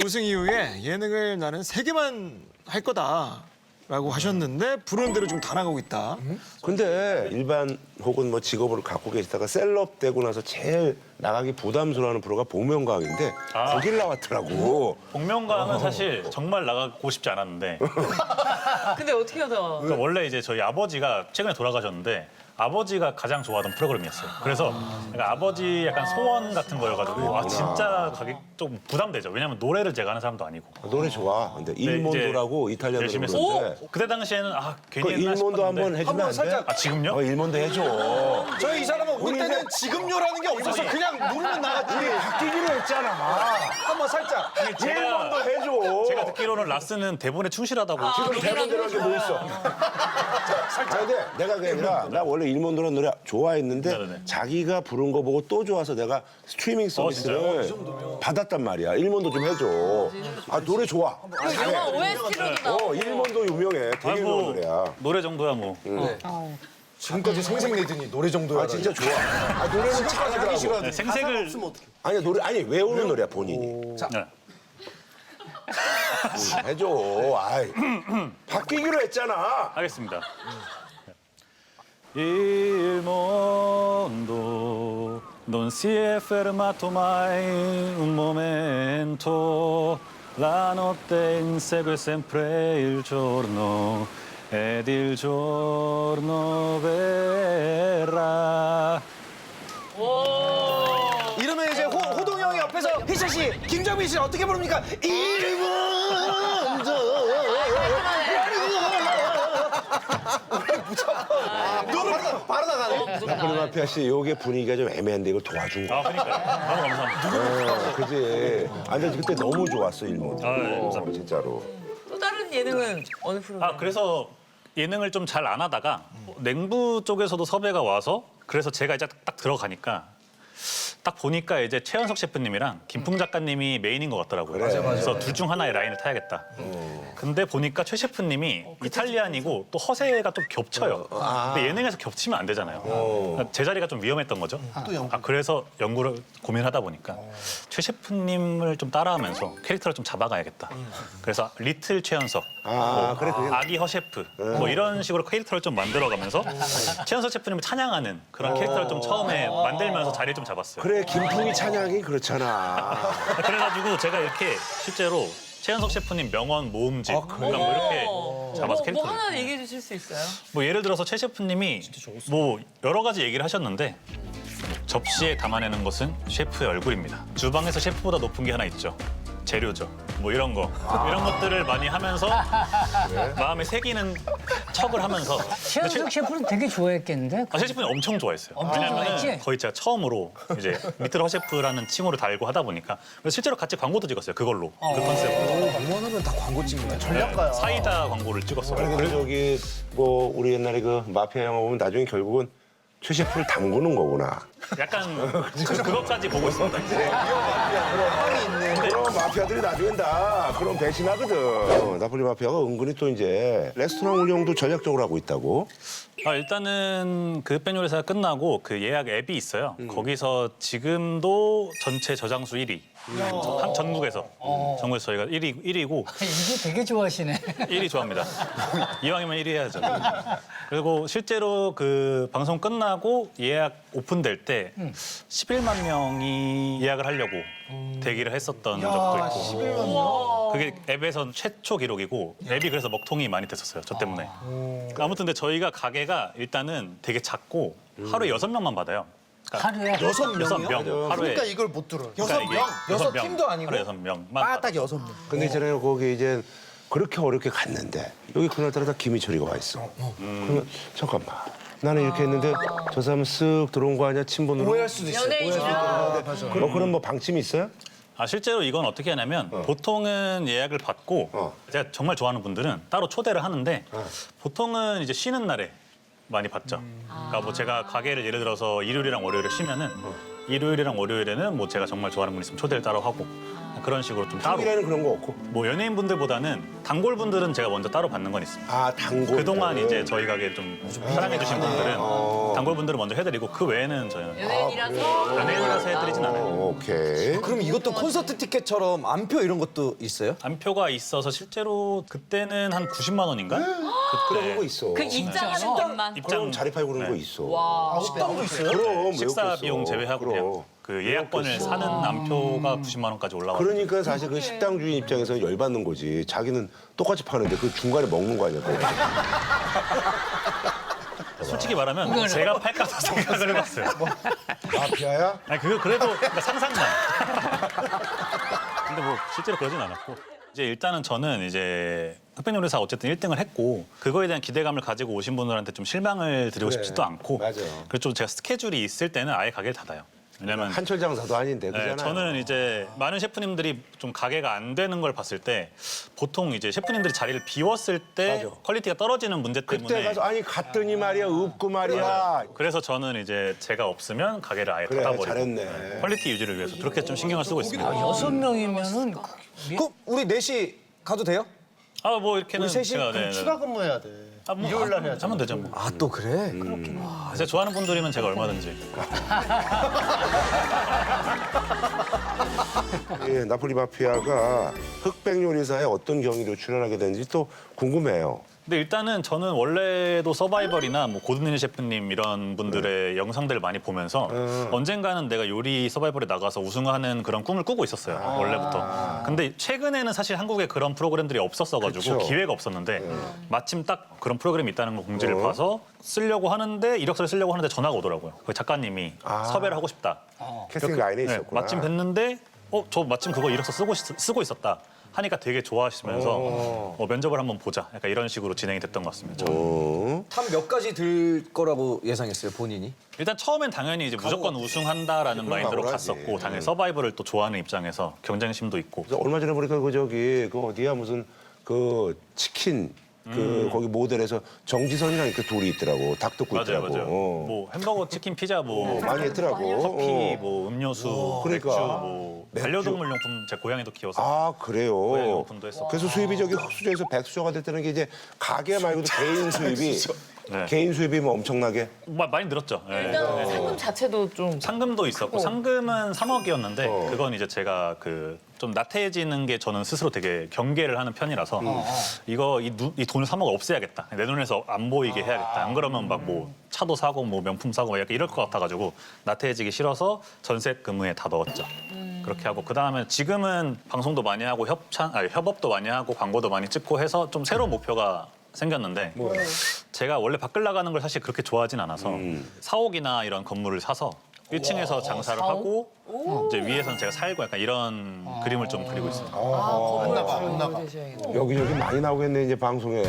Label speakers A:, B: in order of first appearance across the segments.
A: 우승 이후에 예능을 나는 3개만 할 거다라고 하셨는데 부르는 대로 지금 다 나가고 있다.
B: 근데 일반 혹은 뭐 직업을 갖고 계시다가 셀럽 되고 나서 제일 나가기 부담스러워하는 프로가 복면가왕인데 거길 나왔더라고.
C: 복면가왕은 사실 정말 나가고 싶지 않았는데
D: 근데 어떻게 하다가
C: 그러니까 원래 이제 저희 아버지가 최근에 돌아가셨는데 아버지가 가장 좋아하던 프로그램이었어요. 그래서 그러니까 아버지 약간 소원 같은 거여가지고 아 진짜 가기 좀 부담되죠. 왜냐면 노래를 제가 하는 사람도 아니고.
B: 노래 좋아. 근데 일몬도라고 이탈리아 노래
C: 열심히
B: 부르는데
C: 그때 당시에는 아
B: 그
C: 괜히 했나
B: 일몬도
C: 싶었는데
B: 한번 해주면 안 돼?
C: 아 지금요?
B: 일몬도 해줘.
A: 저희 이 사람은 올
B: 우리
A: 때는
B: 이제-
A: 지금요라는 게 없어서 그냥 누르면 나갔지.
B: 바뀌기로 했잖아.
A: 한번 살짝.
B: 일몬도 해줘.
C: 제가 듣기로는 라스는 대본에 충실하다고.
B: 지금 대본대로 뭐 있어. 아, 근데 내가 그게 아니라 나 원래 일몬도라는 노래 좋아했는데
C: 네네네.
B: 자기가 부른 거 보고 또 좋아서 내가 스트리밍 서비스를 받았단 말이야. 일몬도 좀 해줘. 아 노래 좋아.
D: 영화 OST로도 나오고
B: 일몬도 유명해. 되게
C: 아이고,
B: 유명한 노래야.
C: 노래 정도야 뭐.
A: 지금까지 생색내더니 노래 정도야.
B: 아 진짜 좋아. 아 노래는 잘하더라고.
C: 네, 생색을
B: 아니 노래 아니 외우는 노래야 본인이.
C: 네.
B: 해줘. 아이 바뀌기로 했잖아.
C: 하겠습니다. Il mondo non si è fermato mai un momento, la notte insegue sempre il giorno ed il giorno verrà.
A: 이러면 이제 호동이 형이 옆에서 희철 씨, 김정민 씨 어떻게 부릅니까? 일본도. 바로 나가네.
B: 나폴리 마피아 씨 요게 분위기가 좀 애매한데 이걸 도와준 거야.
C: 아, 그러니까요. 너무 감사합니다.
B: 그지. 아 근데 그때 너무 좋았어 일몬도.
C: 아, 네, 감사합니다.
B: 진짜로.
D: 또 다른 예능은 어느 프로그램?
C: 아, 그래서 예능을 좀 잘 안 하다가 냉부 쪽에서도 섭외가 와서 그래서 제가 이제 딱 들어가니까 딱 보니까 이제 최연석 셰프님이랑 김풍 작가님이 메인인 것 같더라고요. 그래서 둘 중 하나의 라인을 타야겠다. 근데 보니까 최 셰프님이 이탈리안이고 또 허세가 좀 겹쳐요. 근데 예능에서 겹치면 안 되잖아요. 그러니까 제 자리가 좀 위험했던 거죠. 그래서 연구를 고민하다 보니까 최 셰프님을 좀 따라하면서 캐릭터를 좀 잡아가야겠다. 그래서 리틀 최연석,
B: 그래 그게
C: 아기 허셰프 뭐 이런 식으로 캐릭터를 좀 만들어가면서 최연석 셰프님을 찬양하는 그런 캐릭터를 좀 처음에 만들면서 자리를 좀 잡았어요.
B: 그래 김풍이 찬양이 그렇잖아.
C: 그래가지고 제가 이렇게 실제로 최연석 셰프님 명언 모음집 그러니까 뭐 이렇게 잡아서
D: 뭐
C: 캐릭터를
D: 하나 얘기해 주실 수 있어요?
C: 뭐 예를 들어서 최 셰프님이 뭐 여러 가지 얘기를 하셨는데 접시에 담아내는 것은 셰프의 얼굴입니다. 주방에서 셰프보다 높은 게 하나 있죠. 재료죠. 뭐 이런 거. 이런 것들을 많이 하면서 마음에 새기는 척을 하면서
E: 최현석 셰프는 되게 좋아했겠는데?
C: 최 셰프님 엄청 좋아했어요.
E: 엄청
C: 왜냐면
E: 좋아했지?
C: 거의 제가 처음으로 이제 리틀 허셰프라는 칭호를 달고 하다 보니까 그래서 실제로 같이 광고도 찍었어요. 그걸로. 그 컨셉으로.
A: 웬만하면 다 광고 찍는 거야.
C: 사이다 광고를 찍었어요.
B: 그래 저기 뭐 우리 옛날에 그 마피아 영화 보면 나중에 결국은 최 셰프를 담그는 거구나.
C: 약간 그것까지 보고 있습니다. 이제.
B: 그럼 마피아들이 나중엔 다 그런 배신하거든. 나폴리 마피아가 은근히 또 이제 레스토랑 운영도 전략적으로 하고 있다고.
C: 일단은 그 흑백 요리사가 끝나고 그 예약 앱이 있어요. 거기서 지금도 전체 저장수 1위. 전국에서. 전국에서 저희가 1위고
E: 이게 되게 좋아하시네.
C: 1위 좋아합니다. 이왕이면 1위 해야죠. 그리고 실제로 그 방송 끝나고 예약 오픈될 때 11만 명이 예약을 하려고 대기를 했었던 적도 있고.
A: 11만 명?
C: 그게 앱에선 최초 기록이고 앱이 그래서 먹통이 많이 됐었어요. 저 때문에. 아무튼 근데 저희가 가게가 일단은 되게 작고 하루에 6명만 받아요.
E: 하루에?
C: 6명. 하루에.
A: 그러니까 이걸 못 들어.
C: 그러니까 이게
A: 6팀도 아니고
C: 하루에 6명만.
A: 딱 6명.
B: 근데 있잖아요 거기 이제 그렇게 어렵게 갔는데 여기 그날따라 다 김희철이가 와 있어. 그러면 잠깐만. 나는 이렇게 했는데 저 사람은 쓱 들어온 거 아니야 친분으로?
A: 오해할 수도 있어.
D: 연예인이랑
B: 그런 뭐 방침이 있어요?
C: 실제로 이건 어떻게 하냐면 보통은 예약을 받고 제가 정말 좋아하는 분들은 따로 초대를 하는데 보통은 이제 쉬는 날에 많이 받죠. 그러니까 뭐 제가 가게를 예를 들어서 일요일이랑 월요일에 쉬면은 일요일이랑 월요일에는 뭐 제가 정말 좋아하는 분 있으면 초대를 따로 하고 그런 식으로 좀 따로.
B: 평일에는 그런 거 없고.
C: 뭐 연예인분들보다는 단골분들은 제가 먼저 따로 받는 건 있습니다.
B: 아, 단골.
C: 그동안 이제 저희 가게 좀 사랑해주신 분들은 단골분들을 먼저 해드리고 그 외에는 저희는
D: 연예인이라서
C: 연예인이라서 해드리진 않아요.
B: 오케이.
F: 그럼 이것도 콘서트 티켓처럼 안표 이런 것도 있어요?
C: 안표가 있어서 실제로 그때는 한 90만 원인가?
B: 그런 거 있어.
D: 그 입장하는 것만.
B: 그럼 자리 팔고 그런 거
C: 네.
B: 있어.
F: 식당도 있어요?
B: 그럼 왜
C: 식사
B: 없겠어.
C: 비용 제외하고
B: 그럼.
C: 그냥 그 예약권을 사는 안표가 90만 원까지 올라와요.
B: 그러니까 사실 그 식당 주인 입장에서는 열받는 거지. 자기는 똑같이 파는데 그 중간에 먹는 거 아니야. 그거.
C: 솔직히 말하면 제가 팔까도 생각을 해봤어요.
B: 마피아야?
C: 아니 그래도 그러니까 상상만. 근데 뭐 실제로 그러진 않았고 이제 일단은 저는 이제 흑백요리사 어쨌든 1등을 했고 그거에 대한 기대감을 가지고 오신 분들한테 좀 실망을 드리고
B: 그래.
C: 싶지도 않고
B: 맞아.
C: 그래서 좀 제가 스케줄이 있을 때는 아예 가게를 닫아요. 왜냐면
B: 한철 장사도 아닌데
C: 네,
B: 그잖아요.
C: 저는 이제 많은 셰프님들이 좀 가게가 안 되는 걸 봤을 때 보통 이제 셰프님들이 자리를 비웠을 때
B: 맞아.
C: 퀄리티가 떨어지는 문제
B: 그때
C: 때문에
B: 가서 아니 갔더니 말이야 없고 말이야.
C: 그래서 저는 이제 제가 없으면 가게를 아예
B: 그래,
C: 닫아버리고
B: 잘했네.
C: 퀄리티 유지를 위해서 그렇게 좀 신경을 쓰고 있습니다.
E: 6명이면은
F: 그 우리 넷이 가도 돼요?
C: 아 뭐 이렇게는
G: 우리 셋이
C: 제가
G: 그럼 추가 근무해야 돼. 일요일 날 해야죠.
C: 하면 되죠 뭐.
F: 아 또 그래?
C: 제가 좋아하는 분들이면 제가 얼마든지.
B: 예, 나폴리 마피아가 흑백 요리사에 어떤 경위로 출연하게 되는지 또 궁금해요.
C: 근데 일단은 저는 원래도 서바이벌이나 뭐 고든일 셰프님 이런 분들의 영상들을 많이 보면서 언젠가는 내가 요리 서바이벌에 나가서 우승하는 그런 꿈을 꾸고 있었어요. 원래부터. 근데 최근에는 사실 한국에 그런 프로그램들이 없었어가지고
B: 그쵸.
C: 기회가 없었는데 마침 딱 그런 프로그램이 있다는 거 공지를 봐서 쓰려고 하는데 이력서를 쓰려고 하는데 전화가 오더라고요. 그 작가님이 섭외를 하고 싶다.
B: 캐스팅 라인에
C: 네,
B: 있었구나.
C: 마침 뵀는데 저 마침 그거 이력서 쓰고 있었다. 하니까 되게 좋아하시면서 면접을 한번 보자. 약간 이런 식으로 진행이 됐던 것 같습니다. 저는.
F: 탑 몇 가지 들 거라고 예상했어요 본인이?
C: 일단 처음엔 당연히 이제 무조건 우승한다라는 마인드로
B: 각오를 하지.
C: 갔었고 당연히 서바이벌을 또 좋아하는 입장에서 경쟁심도 있고
B: 그래서 얼마 전에 보니까 그 저기 그 어디야 무슨 그 치킨 그 거기 모델에서 정지선이랑 이렇게 둘이 있더라고. 닭 듣고
C: 맞아요,
B: 있더라고.
C: 맞아요. 뭐 햄버거, 치킨, 피자, 뭐
B: 많이 했더라고.
C: 커피, 뭐 음료수,
B: 그러니까.
C: 맥주, 뭐 반려동물 용품 제 고양이도 키워서
B: 아
C: 고양이
B: 그래요.
C: 용품도 했었고.
B: 그래서 수입이 저기 흑수저에서 백수저가 됐다는 게 이제 가게 말고도 개인 수입이
C: 네.
B: 개인 수입이 뭐 엄청나게.
C: 많이 늘었죠. 네.
D: 일단 상금 자체도 좀
C: 상금도 있었고 상금은 3억이었는데 그건 이제 제가 그 좀 나태해지는 게 저는 스스로 되게 경계를 하는 편이라서 이거 이 돈을 3억 없애야겠다. 내 눈에서 안 보이게 해야겠다. 안 그러면 막 뭐 차도 사고 뭐 명품 사고 약간 이럴 것 같아가지고 나태해지기 싫어서 전세 금융에 다 넣었죠. 그렇게 하고 그다음에 지금은 방송도 많이 하고 협업도 많이 하고 광고도 많이 찍고 해서 좀 새로운 목표가 생겼는데 제가 원래 밖을 나가는 걸 사실 그렇게 좋아하진 않아서 사옥이나 이런 건물을 사서 1층에서 장사를 하고 이제 위에서는 제가 살고 약간 이런 그림을 좀 그리고 있습니다.
G: 안 나가.
B: 여기저기 많이 나오겠네 이제 방송에.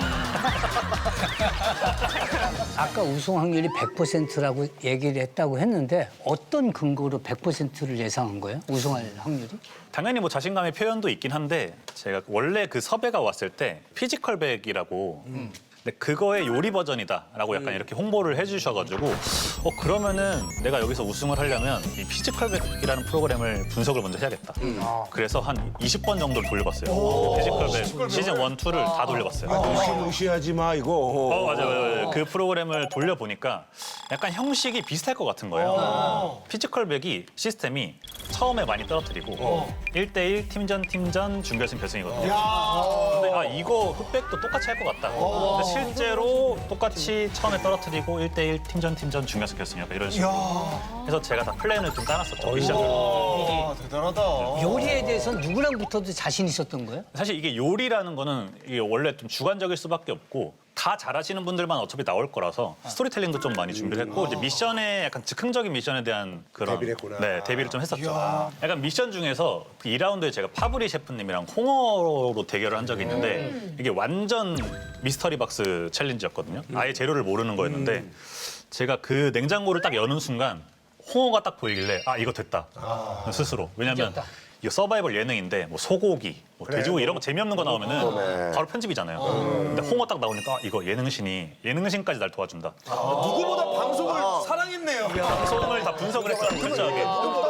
E: 아까 우승 확률이 100%라고 얘기를 했다고 했는데 어떤 근거로 100%를 예상한 거예요? 우승할 확률이?
C: 당연히 뭐 자신감의 표현도 있긴 한데 제가 원래 그 섭외가 왔을 때 피지컬백이라고 근데 그거의 요리 버전이다라고 약간 이렇게 홍보를 해주셔가지고 그러면은 내가 여기서 우승을 하려면 이 피지컬백이라는 프로그램을 분석을 먼저 해야겠다. 그래서 한 20번 정도를 돌려봤어요. 피지컬백 시즌 1, 2를 다 돌려봤어요.
B: 무시하지 마 이거.
C: 맞아요. 그 프로그램을 돌려보니까 약간 형식이 비슷할 것 같은 거예요. 피지컬백이 시스템이 처음에 많이 떨어뜨리고 1대1 팀전 준결승 결승이거든요. 근데 이거 흑백도 똑같이 할 것 같다. 근데 실제로 똑같이 처음에 떨어뜨리고 1대1 팀전 중결승 결승 약간 이런 식으로. 그래서 제가 다 플랜을 좀 짜놨었죠. 미션을.
A: 와, 대단하다.
E: 요리에 대해서 누구랑 붙어도 자신 있었던 거예요?
C: 사실 이게 요리라는 거는 이게 원래 좀 주관적일 수밖에 없고 다 잘하시는 분들만 어차피 나올 거라서 스토리텔링도 좀 많이 준비를 했고 이제 미션에 약간 즉흥적인 미션에 대한 그런
B: 대비를 했구나.
C: 네, 대비를 좀 했었죠. 약간 미션 중에서 그 2라운드에 제가 파브리 셰프님이랑 홍어로 대결을 한 적이 있는데 이게 완전 미스터리 박스 챌린지였거든요. 아예 재료를 모르는 거였는데 제가 그 냉장고를 딱 여는 순간 홍어가 딱 보이길래 이거 됐다 스스로. 왜냐면 이거 서바이벌 예능인데 뭐 소고기, 뭐 돼지고기 이런 거 재미없는 거 나오면은 바로 편집이잖아요. 근데 홍어 딱 나오니까 이거 예능신까지 날 도와준다.
A: 누구보다 방송을 사랑했네요.
C: 방송을 다 분석을 했어요. 철저하게.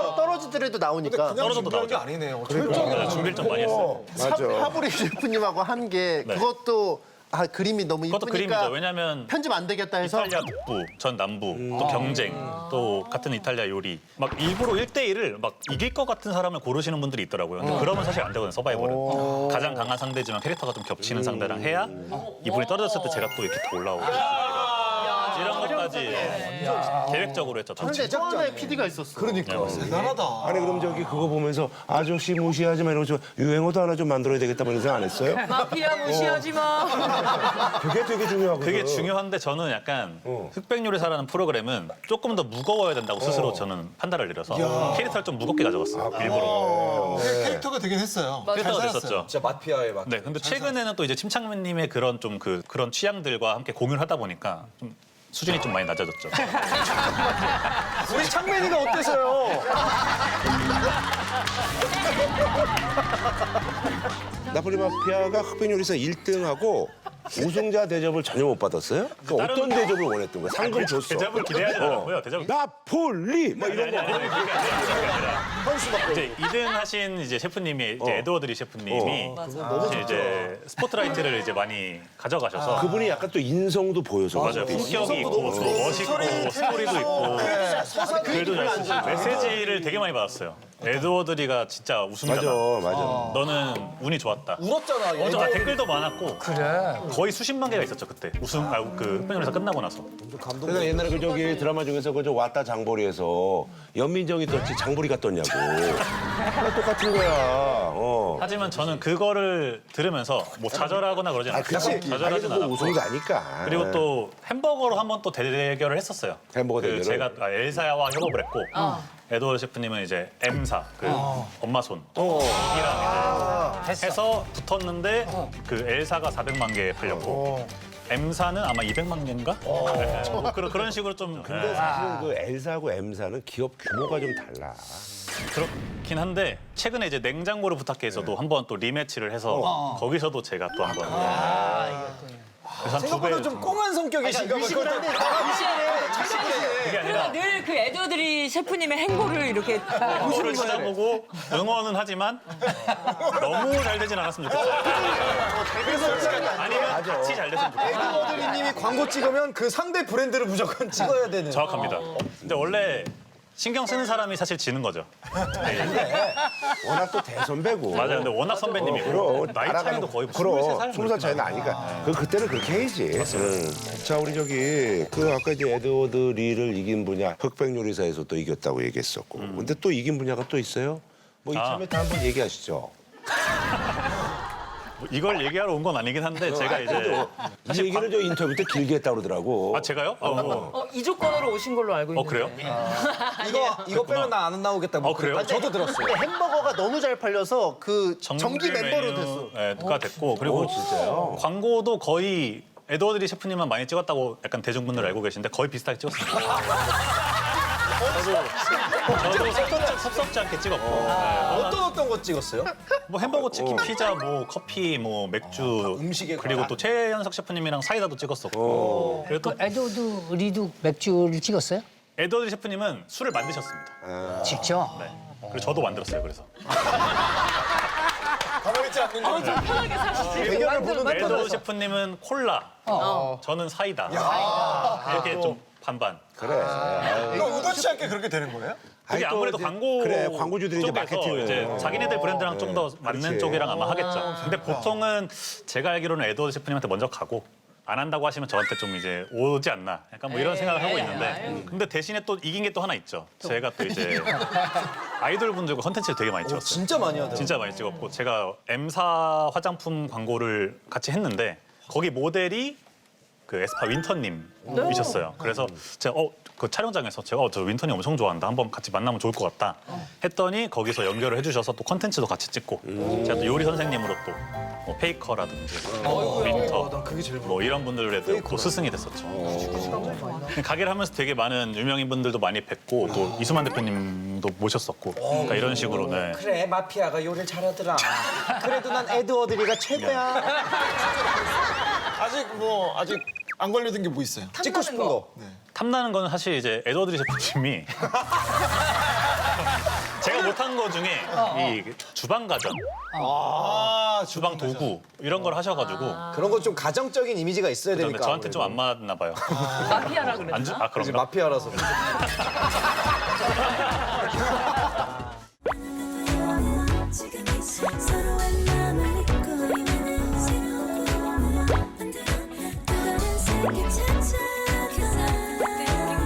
G: 떨어지더라도 나오니까.
A: 그냥
C: 떨어져도
A: 준비한 게
C: 나오죠.
A: 아니네요.
C: 네, 준비를 좀 많이 했어요.
B: 맞아.
G: 하브리 셰프님하고 한 게
C: 네.
G: 그것도 그림이 너무
C: 그것도
G: 이쁘니까
C: 그림이죠. 왜냐면
G: 편집 안 되겠다 해서
C: 이탈리아 북부, 전 남부, 또 경쟁, 또 같은 이탈리아 요리. 막 일부러 1대1을 막 이길 것 같은 사람을 고르시는 분들이 있더라고요. 근데 그러면 사실 안 되거든요, 서바이벌은. 가장 강한 상대지만 캐릭터가 좀 겹치는 상대랑 해야 이분이 떨어졌을 때 제가 또 이렇게 더 올라오고. 이런 것까지 계획적으로 했죠.
G: 근데 또 하나의 PD가 있었어.
A: 그러니까 대단하다.
B: 아니 그럼 저기 그거 보면서 아저씨 무시하지 마 이러면서 유행어도 하나 좀 만들어야 되겠다 뭐 이런 생각 안 했어요?
D: 마피아 무시하지 마.
B: 그게 되게 중요하거든.
C: 그게 중요한데 저는 약간 흑백요리사라는 프로그램은 조금 더 무거워야 된다고 스스로 저는 판단을 내려서 캐릭터를 좀 무겁게 가져갔어요. 일부러.
A: 캐릭터가 되긴 했어요.
C: 캐릭터가
A: 잘 살았어요.
C: 됐었죠.
F: 진짜 마피아의 막.
C: 네, 근데 최근에는 또 이제 침착맨님의 그런 좀 그런 취향들과 함께 공유를 하다 보니까 좀 수준이 좀 많이 낮아졌죠.
A: 우리 창맨이가 어때서요?
B: 나폴리 마피아가 흑백요리사 1등하고 우승자 대접을 전혀 못 받았어요? 그러니까
C: 다른-
B: 어떤 대접을 원했던 거야? 상금 줬어.
C: 대접을 기대하지 않았고요. 대접
B: 나폴리 막 이런 거.
C: 이제 2등 하신 이제 셰프님이 이제 에드워드리 셰프님이 이제 스포트라이트를 이제 많이 가져가셔서
B: 그분이 약간 또 인성도 보여서.
C: 맞아요. 품격이 있고 또 멋있고 스토리도 있고 글도 잘 쓰시고 메시지를 되게 많이 받았어요. 에드워드리가 진짜 우승자다.
B: 맞아.
C: 너는 운이 좋았다.
F: 울었잖아. 얘.
C: 댓글도 많았고
E: 그래.
C: 거의 수십만 개가 있었죠 그때 그 흑백요리사 끝나고 나서.
B: 그래서 옛날에 그 저기 드라마 중에서 그저 왔다 장보리에서 연민정이 떴지 장보리가 떴냐고. 그냥 똑같은 거야.
C: 하지만 저는 그거를 들으면서 뭐 좌절하거나 그러진 않았어요. 좌절하진
B: 뭐
C: 않았고.
B: 우승자니까.
C: 그리고 또 햄버거로 한번 또 대결을 했었어요.
B: 햄버거 대결을?
C: 제가 엘사와 협업을 했고 에드워드 셰프님은 이제 M사 엄마 손 이랑 이제 해서 붙었는데 그 엘사가 400만 개 팔렸고 M사는 아마 200만 개인가? 네. 뭐 그런 식으로 좀
B: 근데 사실은 그 엘사하고 M사는 기업 규모가 좀 달라.
C: 그렇긴 한데 최근에 이제 냉장고를 부탁해서도 한번 또 리매치를 해서 거기서도 제가 또 한번 그래서 한 2배
A: 생각보다 좀 꽁한 성격이신가 봐요.
C: 그게 아니라
D: 늘 그 에드워드리 셰프님의 행보를 이렇게
C: 그거를 찾아보고 응원은 하지만 너무 잘 되진 않았으면 좋겠어요. 아니면 같이 잘 됐으면 좋겠어요.
A: 에드워드리님이 광고 찍으면 그 상대 브랜드를 무조건 찍어야 되는.
C: 정확합니다. 근데 원래 신경 쓰는 사람이 사실 지는 거죠.
B: 워낙 또 대선배고.
C: 맞아요. 근데 워낙 선배님이고
B: 그럼
C: 나이 차이도 거의
B: 그럼
C: 23살
B: 20살 차이 나니까 그때는 그렇게 해야지. 자 우리 저기 그 아까 이제 에드워드 리를 이긴 분야 흑백요리사에서 또 이겼다고 얘기했었고 근데 또 이긴 분야가 또 있어요? 뭐 이참에 다 한번 얘기하시죠.
C: 뭐 이걸 얘기하러 온 건 아니긴 한데 제가 이제
B: 이 얘기를 저 인터뷰 때 길게 했다고 그러더라고.
C: 아 제가요?
D: 이 조건으로 오신 걸로 알고 있는데.
C: 그래요?
F: 이거 빼면 나 안 나오겠다. 뭐
C: 그래요?
F: 저도 들었어요.
G: 근데 햄버거가 너무 잘 팔려서 그 정기 멤버로 됐어.
C: 메뉴가 됐고 그리고
B: 진짜요?
C: 광고도 거의 에드워드리 셰프님만 많이 찍었다고 약간 대중분들 알고 계신데 거의 비슷하게 찍었습니다. 저도 섭섭지 않게 찍었고
F: 어떤 거 찍었어요?
C: 뭐 햄버거, 치킨, 피자, 뭐 커피, 뭐 맥주
F: 음식에
C: 그리고 또 최연석 셰프님이랑 사이다도 찍었었고 그리고 또
E: 에드워드 리도 맥주를 찍었어요?
C: 에드워드 셰프님은 술을 만드셨습니다.
E: 직접?
C: 네. 그리고 저도 만들었어요. 그래서
A: 가만히 있지 않는 거.
D: 편하게 사시지.
A: 대결을 보는
C: 에드워드 셰프님은 콜라, 저는 사이다. 이렇게 좀 반반.
B: 그래.
A: 이거 의도치 않게 그렇게 되는 거예요?
C: 그게
B: 아니, 또
C: 아무래도
B: 이제
C: 광고
B: 그래, 광고주들이 이제
C: 쪽에서
B: 마케팅을.
C: 이제 자기네들 브랜드랑 좀 더 맞는
B: 그렇지.
C: 쪽이랑 아마 하겠죠. 근데 보통은 제가 알기로는 에드워드 셰프님한테 먼저 가고 안 한다고 하시면 저한테 좀 이제 오지 않나. 약간 뭐 이런 생각을 하고 있는데 근데 대신에 또 이긴 게 또 하나 있죠. 제가 또 이제 아이돌 분들과 컨텐츠를 되게 많이 찍었어요.
F: 진짜 많이 하더라고요.
C: 진짜 많이 찍었고 제가 M사 화장품 광고를 같이 했는데 거기 모델이 그 에스파 윈터님이셨어요. 그래서 제가 그 촬영장에서 제가 저 윈터님 엄청 좋아한다. 한번 같이 만나면 좋을 것 같다. 했더니 거기서 연결을 해주셔서 또 컨텐츠도 같이 찍고 제가 또 요리 선생님으로 또 뭐 페이커라든지 윈터 뭐 이런 분들에도 또 스승이 됐었죠. 가게를 하면서 되게 많은 유명인 분들도 많이 뵙고 또 이수만 대표님도 모셨었고 그러니까 이런 식으로 네.
F: 그래 마피아가 요리를 잘하더라. 그래도 난 에드워드리가 최고야.
A: 아직 안 걸려든 게 뭐 있어요?
F: 찍고 싶은 거.
C: 탐나는 거는 사실 이제 에드워드리 셰프님이 제가 제가 못한 거 중에 이 주방 가전, 주방 도구 이런 걸 하셔가지고
F: 그런 거 좀 가정적인 이미지가 있어야
C: 그다음에
F: 되니까.
C: 저한테 좀 안 맞나 봐요.
D: 마피아라 그랬나?
C: 아
F: 그지
C: 그런가?
F: 마피아라서.
H: 지금 이 서로의 마음을 믿고 있는 새로운 꿈을 만들어 또 다른 세계 찾아가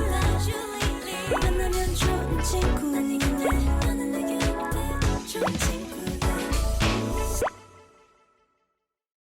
H: 만나면 좋은 친구인데 나는 내게 어때 좋은 친구